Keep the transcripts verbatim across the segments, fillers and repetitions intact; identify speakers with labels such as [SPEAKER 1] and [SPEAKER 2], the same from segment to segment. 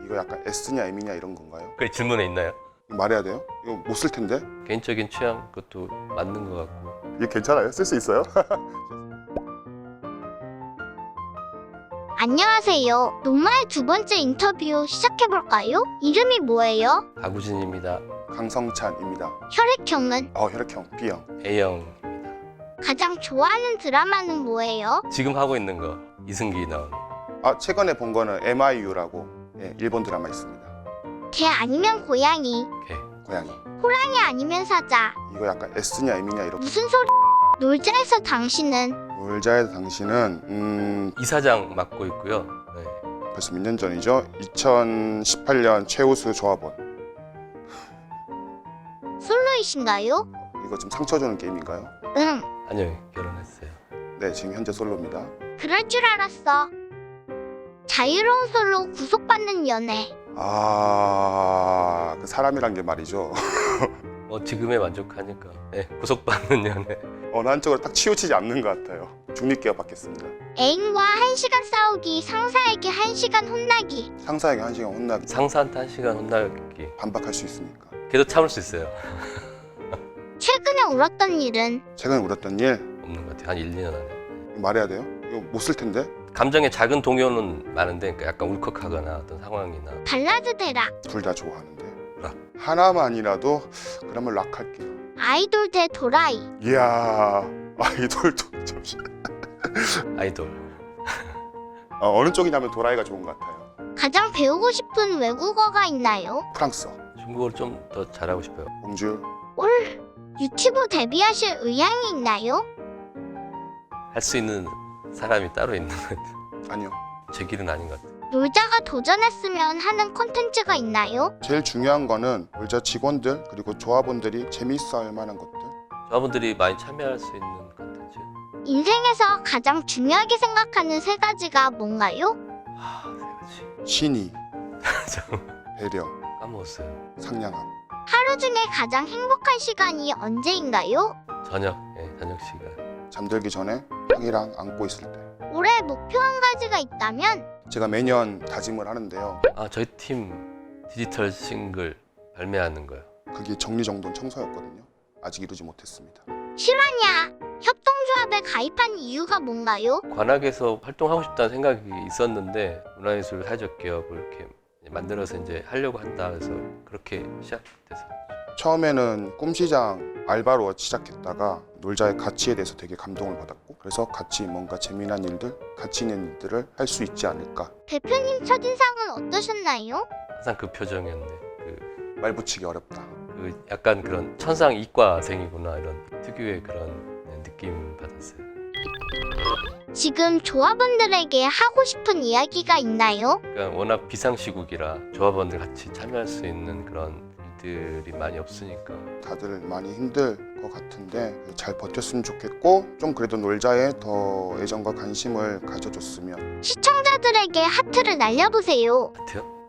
[SPEAKER 1] 이거 약간 S냐 M이냐 이런 건가요?
[SPEAKER 2] 그 질문에 있나요?
[SPEAKER 1] 말해야 돼요? 이거 못 쓸 텐데?
[SPEAKER 2] 개인적인 취향 그것도 맞는 것 같고.
[SPEAKER 1] 이게 괜찮아요? 쓸 수 있어요?
[SPEAKER 3] 안녕하세요. 노마의 두 번째 인터뷰 시작해볼까요? 이름이 뭐예요?
[SPEAKER 2] 박우진입니다.
[SPEAKER 1] 강성찬입니다.
[SPEAKER 3] 혈액형은?
[SPEAKER 1] 어, 혈액형 B형.
[SPEAKER 2] A형입니다.
[SPEAKER 3] 가장 좋아하는 드라마는 뭐예요?
[SPEAKER 2] 지금 하고 있는 거 이승기 나오는.
[SPEAKER 1] 아, 최근에 본 거는 엠아이유라고 예, 일본 드라마 있습니다.
[SPEAKER 3] 개 아니면 고양이?
[SPEAKER 2] 개.
[SPEAKER 1] 고양이.
[SPEAKER 3] 호랑이 아니면 사자?
[SPEAKER 1] 이거 약간 S냐 M이냐 이런.
[SPEAKER 3] 무슨 소리? 놀자에서 당신은?
[SPEAKER 1] 놀자의 당신은 음
[SPEAKER 2] 이사장 맡고 있고요. 네.
[SPEAKER 1] 벌써 몇 년 전이죠? 이천십팔 년 최우수 조합원.
[SPEAKER 3] 솔로이신가요?
[SPEAKER 1] 이거 좀 상처 주는 게임인가요?
[SPEAKER 3] 응.
[SPEAKER 2] 아니요, 결혼했어요.
[SPEAKER 1] 네, 지금 현재 솔로입니다.
[SPEAKER 3] 그럴 줄 알았어. 자유로운 솔로 구속받는 연애.
[SPEAKER 1] 아, 그 사람이란 게 말이죠.
[SPEAKER 2] 뭐 지금에 만족하니까. 네, 구속받는 연애.
[SPEAKER 1] 어느 한쪽으로 딱 치우치지 않는 것 같아요. 중립계가 받겠습니다.
[SPEAKER 3] 애인과 한 시간 싸우기, 상사에게 한 시간 혼나기.
[SPEAKER 1] 상사에게 한 시간 혼나기.
[SPEAKER 2] 상사한테 한 시간 혼나기.
[SPEAKER 1] 반박할 수 있으니까.
[SPEAKER 2] 걔도 참을 수 있어요.
[SPEAKER 3] 최근에 울었던 일은?
[SPEAKER 1] 최근에 울었던 일
[SPEAKER 2] 없는 것 같아요. 한 일, 이 년 안에.
[SPEAKER 1] 말해야 돼요? 이거 못 쓸 텐데?
[SPEAKER 2] 감정의 작은 동요는 많은데 그러니까 약간 울컥하거나 어떤 상황이나.
[SPEAKER 3] 발라드 대락.
[SPEAKER 1] 둘 다 좋아하는데.
[SPEAKER 2] 락.
[SPEAKER 1] 하나만이라도 그러면 락 할게요.
[SPEAKER 3] 아이돌 대 도라이.
[SPEAKER 1] 이야, 아이돌도 잠시.
[SPEAKER 2] 아이돌.
[SPEAKER 1] 어, 어느 쪽이냐면 도라이가 좋은 것 같아요.
[SPEAKER 3] 가장 배우고 싶은 외국어가 있나요?
[SPEAKER 1] 프랑스어,
[SPEAKER 2] 중국어를 좀 더 잘하고 싶어요.
[SPEAKER 1] 봉줄.
[SPEAKER 3] 올 유튜브 데뷔하실 의향이 있나요?
[SPEAKER 2] 할 수 있는 사람이 따로 있는 것 같아요.
[SPEAKER 1] 아니요.
[SPEAKER 2] 제 길은 아닌 것 같아요.
[SPEAKER 3] 놀자가 도전했으면 하는 콘텐츠가 있나요?
[SPEAKER 1] 제일 중요한 거는 놀자 직원들 그리고 조합원들이 재미있어 할 만한 것들.
[SPEAKER 2] 저분들이 많이 참여할 수 있는 컨텐츠.
[SPEAKER 3] 인생에서 가장 중요하게 생각하는 세 가지가 뭔가요?
[SPEAKER 2] 아, 세 가지.
[SPEAKER 1] 신의,
[SPEAKER 2] 잠깐만,
[SPEAKER 1] 배려,
[SPEAKER 2] 까먹었어요.
[SPEAKER 1] 상냥함.
[SPEAKER 3] 하루 중에 가장 행복한 시간이 언제인가요?
[SPEAKER 2] 저녁, 예, 저녁 시간.
[SPEAKER 1] 잠들기 전에 형이랑 안고 있을 때.
[SPEAKER 3] 올해 목표 한 가지가 있다면?
[SPEAKER 1] 제가 매년 다짐을 하는데요.
[SPEAKER 2] 아, 저희 팀 디지털 싱글 발매하는 거요.
[SPEAKER 1] 그게 정리정돈 청소였거든요. 아직 이루지 못했습니다.
[SPEAKER 3] 실화냐? 협동조합에 가입한 이유가 뭔가요?
[SPEAKER 2] 관악에서 활동하고 싶다는 생각이 있었는데 문화예술 사회적 기업을 이렇게 만들어서 이제 하려고 한다 해서 그렇게 시작돼서.
[SPEAKER 1] 처음에는 꿈시장 알바로 시작했다가 놀자의 가치에 대해서 되게 감동을 받았고, 그래서 같이 뭔가 재미난 일들, 가치 있는 일들을 할 수 있지 않을까.
[SPEAKER 3] 대표님 첫인상은 어떠셨나요?
[SPEAKER 2] 항상 그 표정이었는데 그,
[SPEAKER 1] 말 붙이기 어렵다.
[SPEAKER 2] 그 약간 그런 천상 이과생이구나 이런 특유의 그런 느낌 받았어요.
[SPEAKER 3] 지금 조합원들에게 하고 싶은 이야기가 있나요?
[SPEAKER 2] 그러니까 워낙 비상시국이라 조합원들 같이 참여할 수 있는 그런 일들이 많이 없으니까.
[SPEAKER 1] 다들 많이 힘들 것 같은데 잘 버텼으면 좋겠고, 좀 그래도 놀자에 더 애정과 관심을 가져줬으면.
[SPEAKER 3] 시청자들에게 하트를 날려보세요.
[SPEAKER 2] 같아요?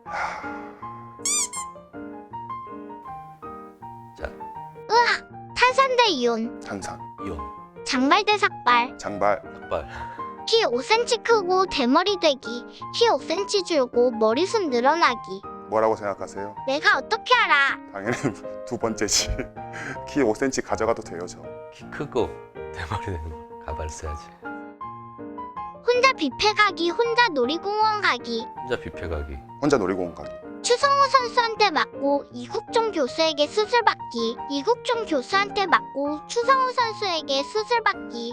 [SPEAKER 2] 자,
[SPEAKER 3] 탄산 대 이온,
[SPEAKER 1] 탄산,
[SPEAKER 2] 이온,
[SPEAKER 3] 장발 대 삭발,
[SPEAKER 1] 장발,
[SPEAKER 2] 삭발.
[SPEAKER 3] 키 오 센티미터 크고 대머리 되기, 키 오 센티미터 줄고 머리숱 늘어나기.
[SPEAKER 1] 뭐라고 생각하세요?
[SPEAKER 3] 내가 어떻게 알아?
[SPEAKER 1] 당연히 두 번째지. 키 오 센티미터 가져가도 돼요, 저.
[SPEAKER 2] 키 크고 대머리 되는 거. 가발 써야지.
[SPEAKER 3] 혼자 뷔페 가기, 혼자 놀이공원 가기.
[SPEAKER 2] 혼자 뷔페 가기.
[SPEAKER 1] 혼자 놀이공원 가기.
[SPEAKER 3] 추성호 선수한테 맞고 이국종 교수에게 수술 받기. 이국종 교수한테 맞고 추성호 선수에게 수술 받기.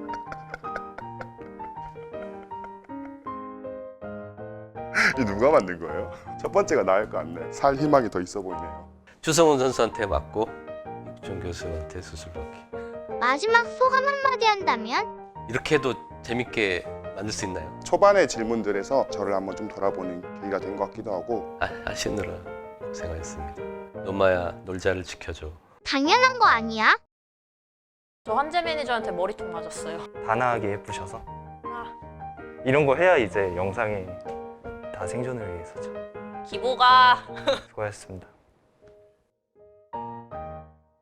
[SPEAKER 1] 이 누가 만든 거예요? 첫 번째가 나을 것 같네. 살 희망이 더 있어 보이네요.
[SPEAKER 2] 추성훈 선수한테 맞고 육종 교수한테 수술 받기.
[SPEAKER 3] 마지막 소감 한마디 한다면?
[SPEAKER 2] 이렇게 해도 재밌게 만들 수 있나요?
[SPEAKER 1] 초반의 질문들에서 저를 한번 좀 돌아보는 계기가 된 것 같기도 하고.
[SPEAKER 2] 아, 하시느라 고생하셨습니다. 노마야 놀자를 지켜줘.
[SPEAKER 3] 당연한 거 아니야?
[SPEAKER 4] 저 환재 매니저한테 머리통 맞았어요.
[SPEAKER 5] 단아하게 예쁘셔서
[SPEAKER 4] 아,
[SPEAKER 5] 이런 거 해야 이제 영상에 다 생존을 위해서죠.
[SPEAKER 4] 기보가
[SPEAKER 5] 수고하셨습니다.